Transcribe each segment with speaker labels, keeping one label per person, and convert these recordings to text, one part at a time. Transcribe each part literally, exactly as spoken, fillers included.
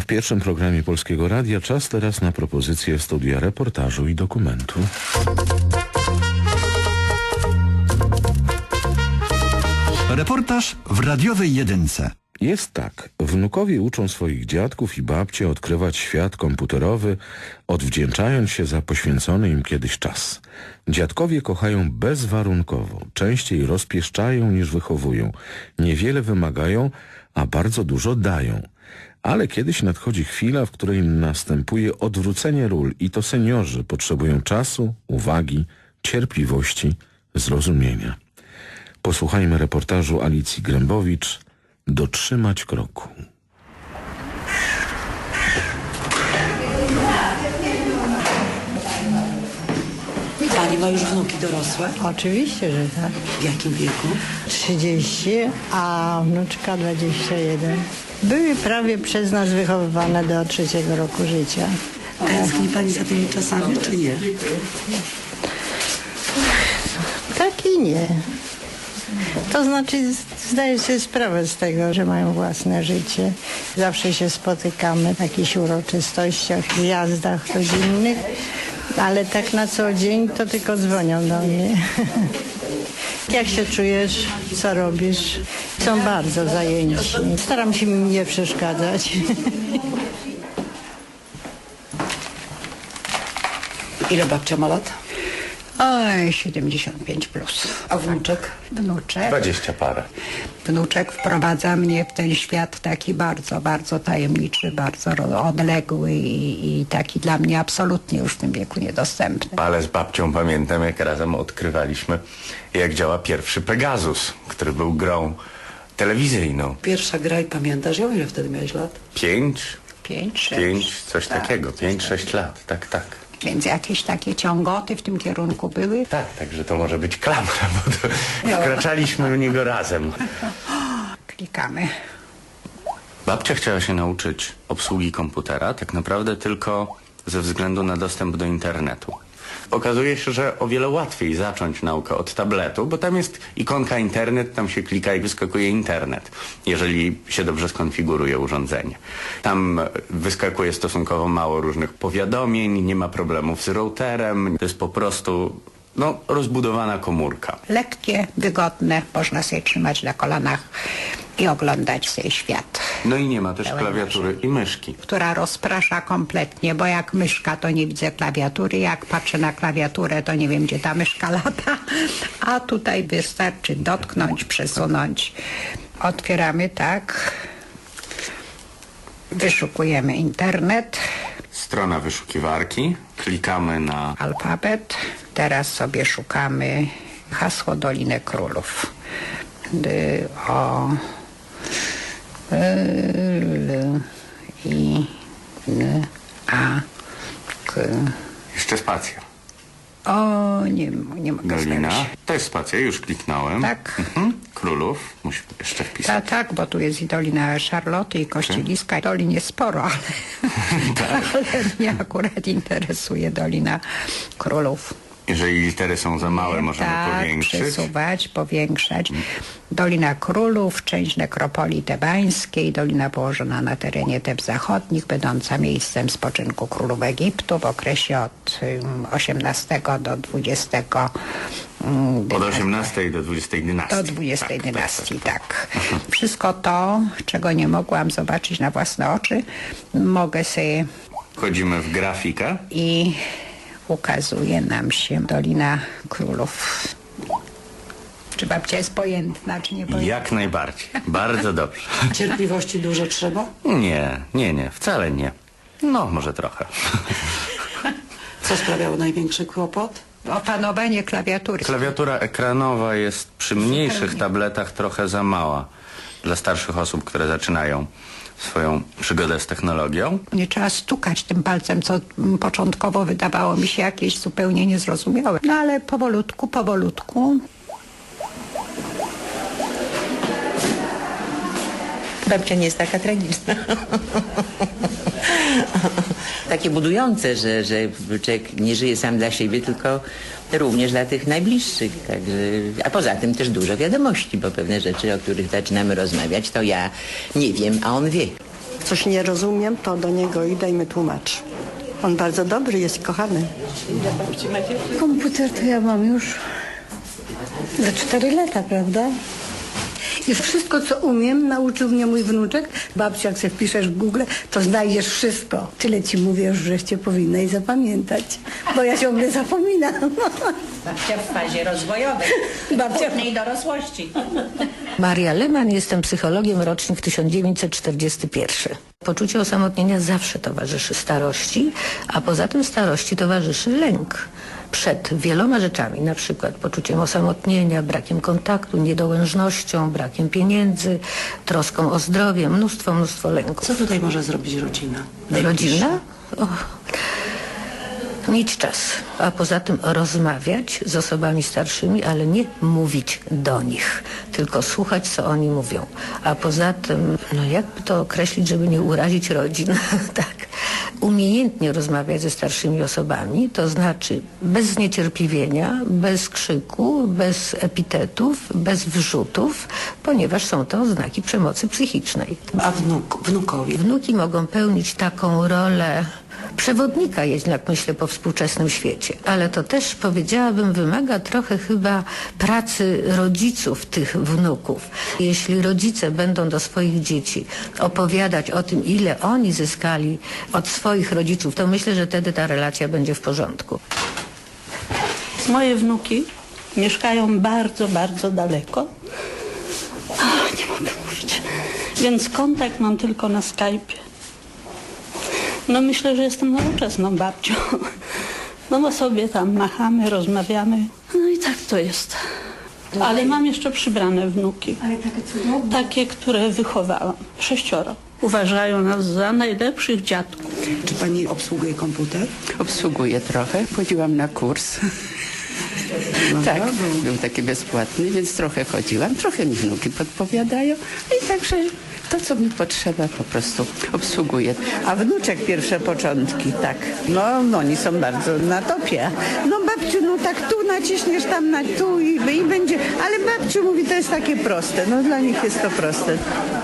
Speaker 1: w pierwszym programie Polskiego Radia czas teraz na propozycję studia reportażu i dokumentu.
Speaker 2: Reportaż w radiowej jedynce.
Speaker 1: Jest tak. Wnukowie uczą swoich dziadków i babcie odkrywać świat komputerowy, odwdzięczając się za poświęcony im kiedyś czas. Dziadkowie kochają bezwarunkowo, częściej rozpieszczają niż wychowują, niewiele wymagają, a bardzo dużo dają. Ale kiedyś nadchodzi chwila, w której następuje odwrócenie ról i to seniorzy potrzebują czasu, uwagi, cierpliwości, zrozumienia. Posłuchajmy reportażu Alicji Grębowicz „Dotrzymać kroku”.
Speaker 3: Pani ma już wnuki dorosłe?
Speaker 4: Oczywiście, że tak.
Speaker 3: W jakim wieku?
Speaker 4: trzydzieści, a wnuczka dwadzieścia jeden. Były prawie przez nas wychowywane do trzeciego roku życia.
Speaker 3: Tęskni pani za tymi czasami, czy nie?
Speaker 4: Tak i nie. To znaczy zdaję sobie sprawę z tego, że mają własne życie. Zawsze się spotykamy w jakichś uroczystościach, zjazdach rodzinnych, ale tak na co dzień to tylko dzwonią do mnie. Jak się czujesz? Co robisz? Są bardzo zajęci. Staram się im nie przeszkadzać.
Speaker 3: Ile babcia ma lat?
Speaker 5: Oj, siedemdziesiąt pięć plus.
Speaker 3: A wnuczek?
Speaker 5: Wnuczek,
Speaker 1: Dwadzieścia parę.
Speaker 5: wnuczek wprowadza mnie w ten świat taki bardzo, bardzo tajemniczy, bardzo ro- odległy i, i taki dla mnie absolutnie już w tym wieku niedostępny.
Speaker 6: Ale z babcią pamiętam, jak razem odkrywaliśmy, jak działa pierwszy Pegasus, który był grą telewizyjną.
Speaker 3: Pierwsza gra i pamiętasz ją? Ile wtedy miałeś lat?
Speaker 6: Pięć,
Speaker 5: Pięć, sześć.
Speaker 6: pięć, coś
Speaker 5: Tak,
Speaker 6: takiego,
Speaker 5: coś
Speaker 6: pięć,
Speaker 5: takiego.
Speaker 6: sześć lat, tak, tak.
Speaker 5: Więc jakieś takie ciągoty w tym kierunku były.
Speaker 6: Tak, także to może być klamra, bo to wkraczaliśmy w niego razem.
Speaker 5: Klikamy.
Speaker 6: Babcia chciała się nauczyć obsługi komputera, tak naprawdę tylko ze względu na dostęp do internetu. Okazuje się, że o wiele łatwiej zacząć naukę od tabletu, bo tam jest ikonka internet, tam się klika i wyskakuje internet, jeżeli się dobrze skonfiguruje urządzenie. Tam wyskakuje stosunkowo mało różnych powiadomień, nie ma problemów z routerem, to jest po prostu no, rozbudowana komórka.
Speaker 5: Lekkie, wygodne, można sobie trzymać na kolanach i oglądać sobie świat.
Speaker 6: No i nie ma też
Speaker 5: Pełen
Speaker 6: klawiatury i myszki.
Speaker 5: Która rozprasza kompletnie, bo jak myszka, to nie widzę klawiatury, jak patrzę na klawiaturę, to nie wiem, gdzie ta myszka lata, a tutaj wystarczy dotknąć, przesunąć. Otwieramy tak, wyszukujemy internet,
Speaker 6: Strona wyszukiwarki, klikamy na
Speaker 5: alfabet, teraz sobie szukamy hasło Dolinę Królów. D, o, L, I, N, A, K.
Speaker 6: jeszcze spacja.
Speaker 5: O, nie, nie mogę
Speaker 6: Dolina,
Speaker 5: znaleźć.
Speaker 6: to jest spacja, już kliknąłem.
Speaker 5: Tak.
Speaker 6: Mhm. Królów, musimy jeszcze
Speaker 5: Ta,
Speaker 6: wpisać.
Speaker 5: tak, bo tu jest i Dolina Szarloty i Kościeliska. Dolin jest sporo, ale, ale mnie akurat interesuje Dolina Królów.
Speaker 6: Jeżeli litery są za małe, możemy
Speaker 5: tak,
Speaker 6: powiększyć.
Speaker 5: przesuwać, powiększać. Dolina Królów, część nekropolii tebańskiej, dolina położona na terenie Teb Zachodnich, będąca miejscem spoczynku królów Egiptu w okresie od um, osiemnastego do dwudziestego um,
Speaker 6: Od osiemnastej do dwudziestej dynastii.
Speaker 5: do dwudziestej
Speaker 6: Tak,
Speaker 5: dynastii,
Speaker 6: tak,
Speaker 5: tak. Wszystko to, czego nie mogłam zobaczyć na własne oczy, mogę sobie
Speaker 6: Wchodzimy w grafikę.
Speaker 5: i ukazuje nam się Dolina Królów. Czy babcia jest pojętna, czy nie pojętna?
Speaker 6: Jak najbardziej. Bardzo dobrze.
Speaker 3: Cierpliwości dużo trzeba?
Speaker 6: Nie, nie, nie, wcale nie. No, może trochę.
Speaker 3: Co sprawiało największy kłopot?
Speaker 5: Opanowanie klawiatury.
Speaker 6: Klawiatura ekranowa jest przy mniejszych tabletach trochę za mała dla starszych osób, które zaczynają swoją przygodę z technologią.
Speaker 5: Nie trzeba stukać tym palcem, co mm, początkowo wydawało mi się jakieś zupełnie niezrozumiałe. No ale powolutku, powolutku.
Speaker 7: Babcia nie jest taka tragiczna. Takie budujące, że, że człowiek nie żyje sam dla siebie, tylko również dla tych najbliższych. Także, a poza tym też dużo wiadomości, bo pewne rzeczy, o których zaczynamy rozmawiać, to ja nie wiem, a on wie.
Speaker 8: coś nie rozumiem, to do niego idę i mi tłumaczy. On bardzo dobry jest i kochany.
Speaker 4: Komputer to ja mam już za cztery lata, prawda? I wszystko, co umiem, nauczył mnie mój wnuczek. Babcia, jak sobie wpiszesz w Google, to znajdziesz wszystko. Tyle ci mówię już, żeście powinna i zapamiętać, bo ja ciągle zapominam.
Speaker 5: Babcia w fazie rozwojowej,
Speaker 4: Babcia w
Speaker 5: później dorosłości.
Speaker 9: Maria Leman, jestem psychologiem, rocznik tysiąc dziewięćset czterdziesty pierwszy. Poczucie osamotnienia zawsze towarzyszy starości, a poza tym starości towarzyszy lęk przed wieloma rzeczami, na przykład poczuciem osamotnienia, brakiem kontaktu, niedołężnością, brakiem pieniędzy, troską o zdrowie, mnóstwo, mnóstwo lęków.
Speaker 3: Co tutaj może zrobić rodzina?
Speaker 9: Rodzina? O, mieć czas, a poza tym rozmawiać z osobami starszymi, ale nie mówić do nich, tylko słuchać, co oni mówią. A poza tym, no jakby to określić, żeby nie urazić rodzin, tak, umiejętnie rozmawiać ze starszymi osobami, to znaczy bez zniecierpliwienia, bez krzyku, bez epitetów, bez wrzutów, ponieważ są to oznaki przemocy psychicznej.
Speaker 3: A wnuk, wnukowi?
Speaker 9: Wnuki mogą pełnić taką rolę przewodnika, jednak myślę, po współczesnym świecie. Ale to też, powiedziałabym, wymaga trochę chyba pracy rodziców tych wnuków. Jeśli rodzice będą do swoich dzieci opowiadać o tym, ile oni zyskali od swoich rodziców, to myślę, że wtedy ta relacja będzie w porządku.
Speaker 10: Moje wnuki mieszkają bardzo, bardzo daleko. Ach, nie mogę mówić. Więc kontakt mam tylko na Skype'ie. No myślę, że jestem nowoczesną babcią. No bo sobie tam machamy, rozmawiamy. No i tak to jest. Ale mam jeszcze przybrane wnuki.
Speaker 4: Ale takie cudowne.
Speaker 10: Takie, które wychowałam. Sześcioro. Uważają nas za najlepszych dziadków.
Speaker 3: Czy pani obsługuje komputer?
Speaker 11: Obsługuję trochę. Chodziłam na kurs. Tak, był taki bezpłatny, więc trochę chodziłam. Trochę mi wnuki podpowiadają. I także to, co mi potrzeba, po prostu obsługuję.
Speaker 12: A wnuczek pierwsze początki, tak. No, no oni są bardzo na topie. No babciu, no tak tu naciśniesz, tam na tu i, i będzie. Ale babciu mówi, to jest takie proste. No dla nich jest to proste.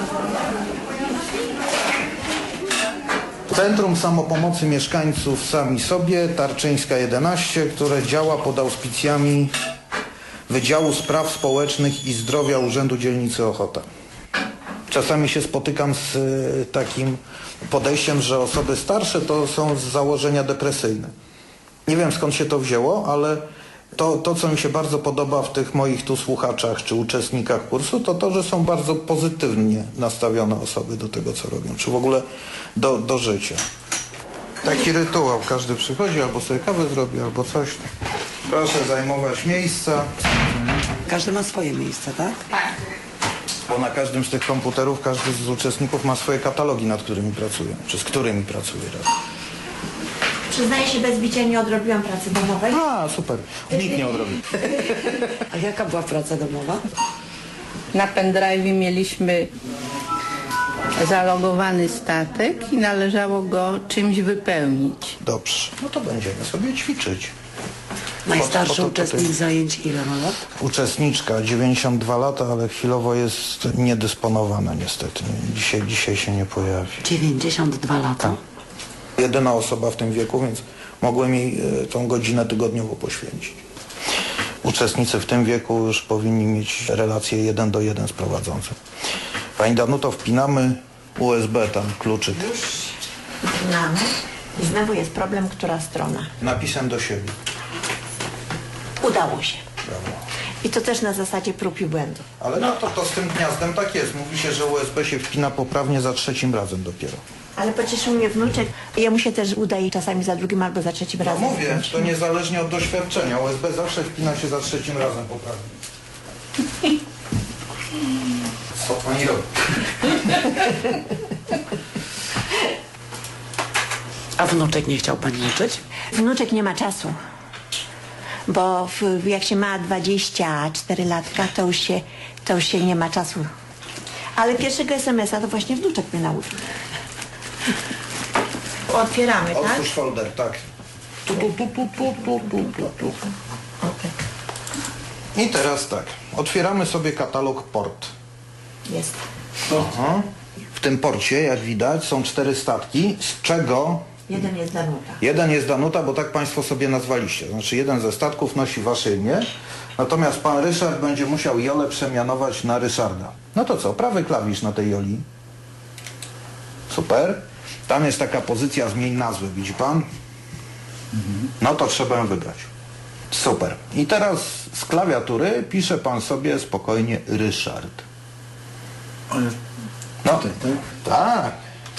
Speaker 13: Centrum Samopomocy Mieszkańców Sami Sobie, Tarczyńska jedenaście, które działa pod auspicjami Wydziału Spraw Społecznych i Zdrowia Urzędu Dzielnicy Ochota. Czasami się spotykam z y, takim podejściem, że osoby starsze to są z założenia depresyjne. Nie wiem, skąd się to wzięło, ale to, to co mi się bardzo podoba w tych moich tu słuchaczach czy uczestnikach kursu, to to, że są bardzo pozytywnie nastawione osoby do tego, co robią, czy w ogóle do, do życia. Taki rytuał, każdy przychodzi, albo sobie kawę zrobi, albo coś. Proszę zajmować miejsca.
Speaker 3: Każdy ma swoje miejsce, tak?
Speaker 13: Tak. Bo na każdym z tych komputerów każdy z uczestników ma swoje katalogi, nad którymi pracuje, czy z którymi pracuje.
Speaker 14: Przyznaję się, bez bicia nie odrobiłam pracy domowej.
Speaker 13: A, super. Nikt nie odrobił.
Speaker 3: A jaka była praca domowa?
Speaker 12: Na pendrive mieliśmy zalogowany statek i należało go czymś wypełnić.
Speaker 13: Dobrze. No to będziemy sobie ćwiczyć.
Speaker 3: Najstarszy
Speaker 13: Bo to- bo to-
Speaker 3: uczestnik zajęć ile ma lat?
Speaker 13: Uczestniczka, dziewięćdziesiąt dwa lata, ale chwilowo jest niedysponowana niestety. Dzisiaj, dzisiaj się nie pojawi.
Speaker 3: dziewięćdziesiąt dwa lata.
Speaker 13: Jedyna osoba w tym wieku, więc mogłem jej e, tą godzinę tygodniowo poświęcić. Uczestnicy w tym wieku już powinni mieć relację jeden do jeden z prowadzącym. Pani Danuto, wpinamy U S B tam, kluczyk.
Speaker 14: Wpinamy. I znowu jest problem, która strona.
Speaker 13: Napisem do siebie.
Speaker 14: Udało się. I to też na zasadzie prób i błędów.
Speaker 13: Ale no to, to z tym gniazdem tak jest. Mówi się, że U S B się wpina poprawnie za trzecim razem dopiero.
Speaker 14: Ale pocieszył mnie wnuczek. Jemu się też udaje czasami za drugim albo za trzecim
Speaker 13: No
Speaker 14: razem.
Speaker 13: mówię, to niezależnie od doświadczenia. U S B zawsze wpina się za trzecim razem poprawnie. Co pani robi?
Speaker 3: A wnuczek nie chciał pani uczyć?
Speaker 14: Wnuczek nie ma czasu. Bo w, jak się ma dwadzieścia cztery latka, to już, się, to już się nie ma czasu. Ale pierwszego es em es a to właśnie wnuczek mnie nauczył. Otwieramy, tak?
Speaker 13: Otwórz folder, tak. Tu, tu, tu, tu, tu, tu, tu, tu, tu. I teraz tak. Otwieramy sobie katalog port.
Speaker 14: Jest.
Speaker 13: Aha. W tym porcie, jak widać, są cztery statki, z czego
Speaker 14: Jeden jest Danuta.
Speaker 13: jeden jest Danuta, bo tak państwo sobie nazwaliście. Znaczy jeden ze statków nosi wasze imię, natomiast pan Ryszard będzie musiał Jolę przemianować na Ryszarda. No to co, prawy klawisz na tej Joli. Super. Tam jest taka pozycja zmień nazwy, widzi pan? No to trzeba ją wybrać. Super. I teraz z klawiatury pisze pan sobie spokojnie Ryszard. No,
Speaker 15: Tutaj, tak?
Speaker 13: tak.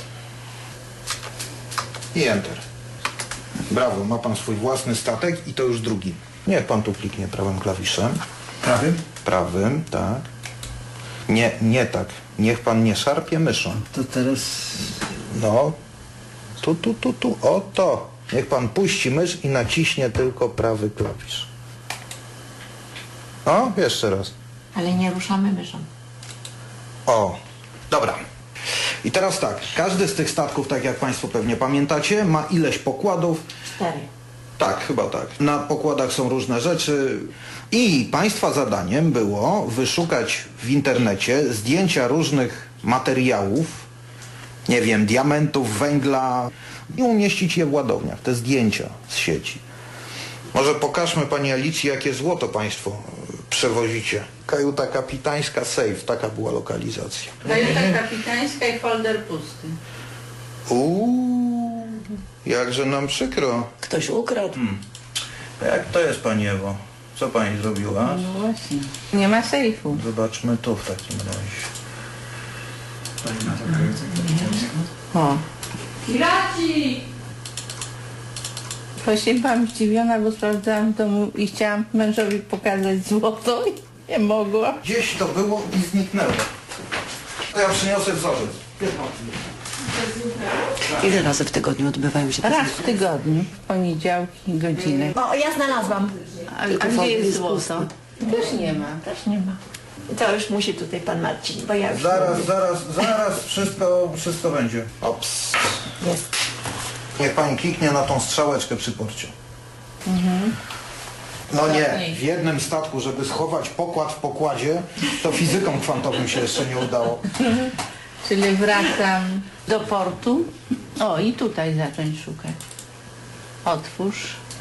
Speaker 13: I enter. Brawo, ma pan swój własny statek i to już drugi. Niech pan tu kliknie prawym klawiszem.
Speaker 15: Prawym?
Speaker 13: Prawym, tak. Nie, nie tak. Niech pan nie szarpie myszą.
Speaker 15: To teraz...
Speaker 13: No. Tu, tu, tu, tu. O to. Niech pan puści mysz i naciśnie tylko prawy klawisz. O, jeszcze raz.
Speaker 14: Ale nie ruszamy myszą.
Speaker 13: O, dobra. I teraz tak, każdy z tych statków, tak jak państwo pewnie pamiętacie, ma ileś pokładów.
Speaker 14: Cztery.
Speaker 13: Tak, chyba tak. Na pokładach są różne rzeczy i państwa zadaniem było wyszukać w internecie zdjęcia różnych materiałów, nie wiem, diamentów, węgla i umieścić je w ładowniach, te zdjęcia z sieci. Może pokażmy pani Alicji, jakie złoto państwo przewozicie. Kajuta kapitańska, safe, taka była lokalizacja.
Speaker 12: Kajuta kapitańska i folder pusty.
Speaker 13: Uuu, jakże nam przykro.
Speaker 3: Ktoś ukradł.
Speaker 13: Hmm. Jak to jest, pani Ewo? Co pani zrobiła?
Speaker 12: No właśnie. Nie ma sejfu.
Speaker 13: Zobaczmy tu w takim razie.
Speaker 12: O. Piraci! Właśnie byłam zdziwiona, bo sprawdzałam w domu i chciałam mężowi pokazać złoto i nie mogłam.
Speaker 13: Gdzieś to było i zniknęło. To ja przyniosę wzorzec.
Speaker 3: Ile razy w tygodniu odbywają się te
Speaker 12: Raz w tygodniu, w poniedziałki, godzinę.
Speaker 14: O, ja znalazłam.
Speaker 12: A gdzie jest złoto? Też nie ma.
Speaker 14: Też nie ma. To już musi tutaj pan Marcin, bo ja już...
Speaker 13: Zaraz, zaraz, zaraz wszystko, wszystko będzie. Ops.
Speaker 14: Jest.
Speaker 13: Niech pani kliknie na tą strzałeczkę przy porcie.
Speaker 12: Mhm.
Speaker 13: No nie, w jednym statku, żeby schować pokład w pokładzie, to fizykom kwantowym się jeszcze nie udało.
Speaker 12: Czyli wracam do portu. O, i tutaj zacząć szukać. Otwórz.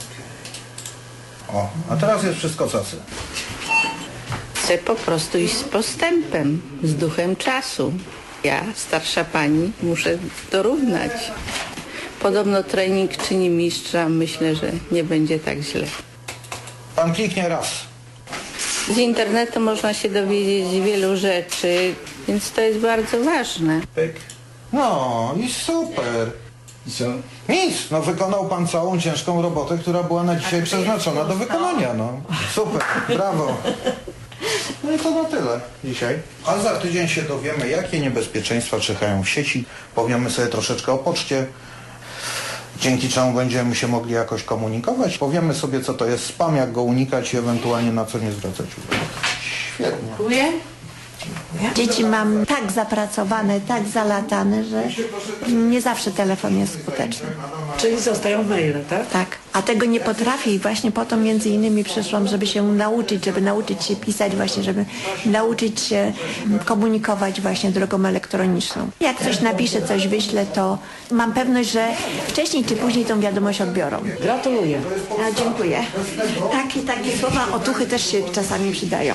Speaker 13: O, a teraz jest wszystko cacy.
Speaker 12: Chcę po prostu iść z postępem, z duchem czasu. Ja, starsza pani, muszę dorównać. Podobno trening czyni mistrza. Myślę, że nie będzie tak źle.
Speaker 13: Pan kliknie raz.
Speaker 12: Z internetu można się dowiedzieć wielu rzeczy, więc to jest bardzo ważne.
Speaker 13: Pyk. No i super.
Speaker 15: I co?
Speaker 13: Nic, no wykonał pan całą ciężką robotę, która była na dzisiaj przeznaczona do wykonania, no. Super, brawo. No i to na tyle dzisiaj. A za tydzień się dowiemy, jakie niebezpieczeństwa czyhają w sieci. Powiemy sobie troszeczkę o poczcie, dzięki czemu będziemy się mogli jakoś komunikować. Powiemy sobie, co to jest spam, jak go unikać i ewentualnie na co nie zwracać uwagi. Świetnie.
Speaker 12: Dziękuję.
Speaker 14: Dzieci mam tak zapracowane, tak zalatane, że nie zawsze telefon jest skuteczny.
Speaker 3: Czyli zostają maile, tak?
Speaker 14: Tak, a tego nie potrafię i właśnie po to między innymi przyszłam, żeby się nauczyć, żeby nauczyć się pisać właśnie, żeby nauczyć się komunikować właśnie drogą elektroniczną. Jak coś napiszę, coś wyślę, to mam pewność, że wcześniej czy później tą wiadomość odbiorą.
Speaker 3: Gratuluję.
Speaker 14: A, dziękuję. Takie, takie słowa otuchy też się czasami przydają.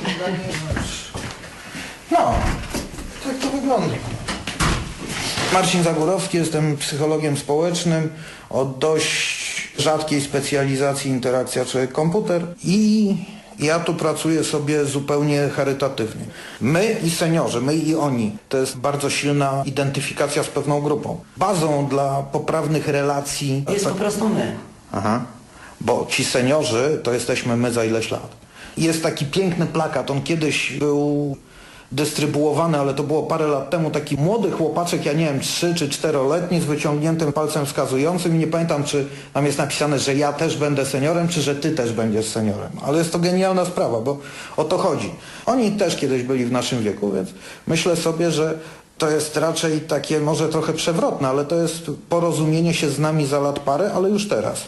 Speaker 13: No, tak to wygląda. Marcin Zagórowski, jestem psychologiem społecznym o dość rzadkiej specjalizacji interakcja człowiek-komputer i ja tu pracuję sobie zupełnie charytatywnie. My i seniorzy, my i oni, to jest bardzo silna identyfikacja z pewną grupą. Bazą dla poprawnych relacji...
Speaker 3: Jest po prostu my.
Speaker 13: Aha, bo ci seniorzy to jesteśmy my za ileś lat. Jest taki piękny plakat, on kiedyś był dystrybuowany, ale to było parę lat temu, taki młody chłopaczek, ja nie wiem, trzy czy czteroletni, z wyciągniętym palcem wskazującym i nie pamiętam, czy tam jest napisane, że ja też będę seniorem, czy że ty też będziesz seniorem. Ale jest to genialna sprawa, bo o to chodzi. Oni też kiedyś byli w naszym wieku, więc myślę sobie, że to jest raczej takie może trochę przewrotne, ale to jest porozumienie się z nami za lat parę, ale już teraz.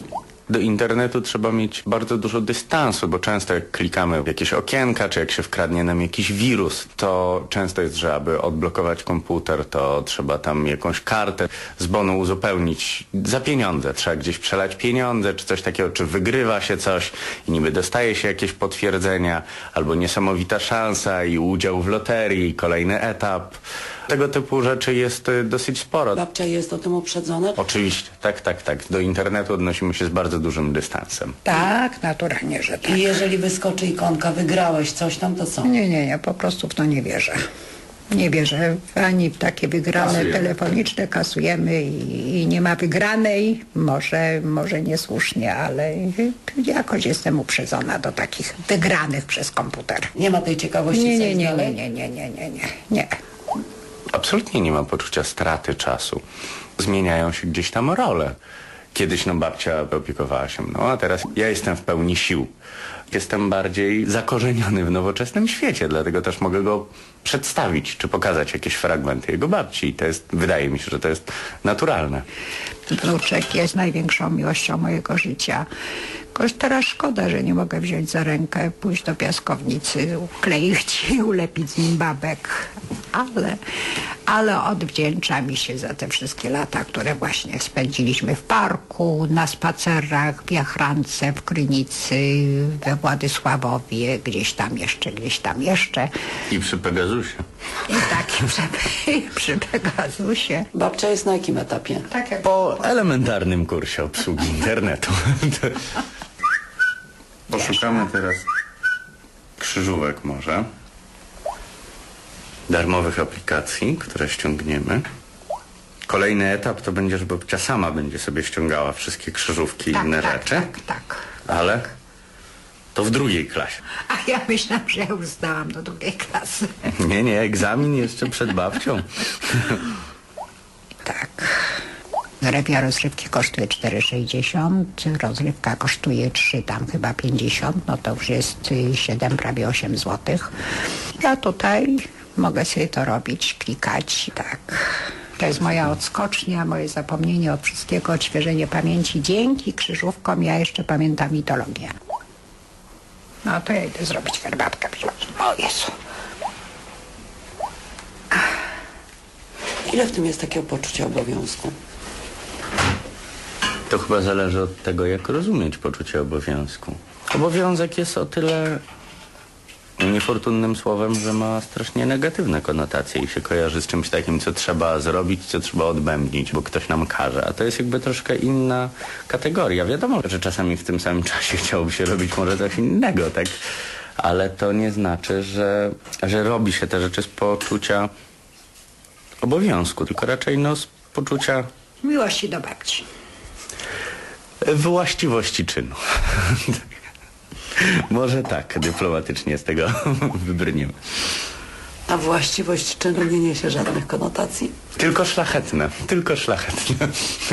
Speaker 6: Do internetu trzeba mieć bardzo dużo dystansu, bo często jak klikamy w jakieś okienka, czy jak się wkradnie nam jakiś wirus, to często jest, że aby odblokować komputer, to trzeba tam jakąś kartę z bonu uzupełnić za pieniądze. Trzeba gdzieś przelać pieniądze, czy coś takiego, czy wygrywa się coś i niby dostaje się jakieś potwierdzenia, albo niesamowita szansa i udział w loterii, i kolejny etap. Tego typu rzeczy jest y, dosyć sporo.
Speaker 3: Babcia jest o tym uprzedzona?
Speaker 6: Oczywiście, tak, tak, tak. Do internetu odnosimy się z bardzo dużym dystansem.
Speaker 5: Tak, naturalnie, że tak.
Speaker 3: I jeżeli wyskoczy ikonka, wygrałeś coś tam, to co?
Speaker 5: Nie, nie, nie, po prostu w to nie wierzę. Nie wierzę ani w takie wygrane
Speaker 6: Kasujemy.
Speaker 5: telefoniczne, kasujemy i, i nie ma wygranej. Może, może niesłusznie, ale jakoś jestem uprzedzona do takich wygranych przez komputer.
Speaker 3: Nie ma tej ciekawości
Speaker 5: Nie, nie,
Speaker 3: coś
Speaker 5: nie, nie,
Speaker 3: dalej?
Speaker 5: nie, nie, nie, nie, nie, nie.
Speaker 6: Absolutnie nie ma poczucia straty czasu. Zmieniają się gdzieś tam role. Kiedyś no babcia opiekowała się mną, a teraz ja jestem w pełni sił. Jestem bardziej zakorzeniony w nowoczesnym świecie, dlatego też mogę go przedstawić, czy pokazać jakieś fragmenty jego babci. I to jest, wydaje mi się, że to jest naturalne.
Speaker 5: Wnuczek jest największą miłością mojego życia. Jakoś teraz szkoda, że nie mogę wziąć za rękę, pójść do piaskownicy, ukleić i ulepić z nim babek. Ale, ale odwdzięcza mi się za te wszystkie lata, które właśnie spędziliśmy w parku, na spacerach, w Jachrance, w Krynicy, we Władysławowie, gdzieś tam jeszcze, gdzieś tam jeszcze.
Speaker 6: I przy Pegasusie.
Speaker 5: I tak przy, przy Pegasusie.
Speaker 3: Babcia jest na jakim etapie?
Speaker 5: Tak jak
Speaker 6: Po elementarnym kursie obsługi internetu. Poszukamy teraz krzyżówek może. Darmowych aplikacji, które ściągniemy. Kolejny etap to będzie, że babcia sama będzie sobie ściągała wszystkie krzyżówki i
Speaker 5: tak,
Speaker 6: inne
Speaker 5: tak,
Speaker 6: rzeczy.
Speaker 5: tak, tak.
Speaker 6: Ale to w drugiej klasie.
Speaker 5: A ja myślałam, że ja już zdałam do drugiej klasy.
Speaker 6: Nie, nie, egzamin jeszcze przed babcią.
Speaker 5: Tak. Zrewia rozrywki kosztuje cztery sześćdziesiąt, rozrywka kosztuje trzy, tam chyba pięćdziesiąt, no to już jest siedem, prawie osiem złotych. Ja tutaj mogę sobie to robić, klikać, tak. To jest moja odskocznia, moje zapomnienie od wszystkiego, odświeżenie pamięci. Dzięki krzyżówkom ja jeszcze pamiętam mitologię. No to ja idę zrobić herbatkę. O Jezu.
Speaker 3: Ile w tym jest takiego poczucia obowiązku?
Speaker 6: To chyba zależy od tego, jak rozumieć poczucie obowiązku. Obowiązek jest o tyle niefortunnym słowem, że ma strasznie negatywne konotacje i się kojarzy z czymś takim, co trzeba zrobić, co trzeba odbębnić, bo ktoś nam każe. A to jest jakby troszkę inna kategoria. Wiadomo, że czasami w tym samym czasie chciałoby się robić może coś innego, tak? Ale to nie znaczy, że, że robi się te rzeczy z poczucia obowiązku, tylko raczej no z poczucia
Speaker 5: Miłości do babci.
Speaker 6: właściwości czynu. Może tak, dyplomatycznie z tego wybrniemy.
Speaker 3: A właściwość czynu nie niesie żadnych konotacji?
Speaker 6: Tylko szlachetne, tylko szlachetne.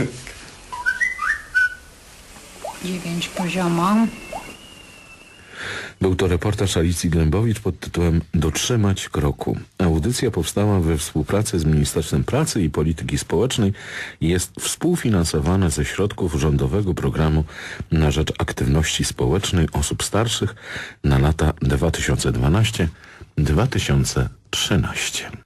Speaker 5: Dziewięć poziomo.
Speaker 1: Był to reportaż Alicji Glębowicz pod tytułem Dotrzymać kroku. Audycja powstała we współpracy z Ministerstwem Pracy i Polityki Społecznej i jest współfinansowana ze środków rządowego programu na rzecz aktywności społecznej osób starszych na lata dwa tysiące dwanaście do dwa tysiące trzynaście.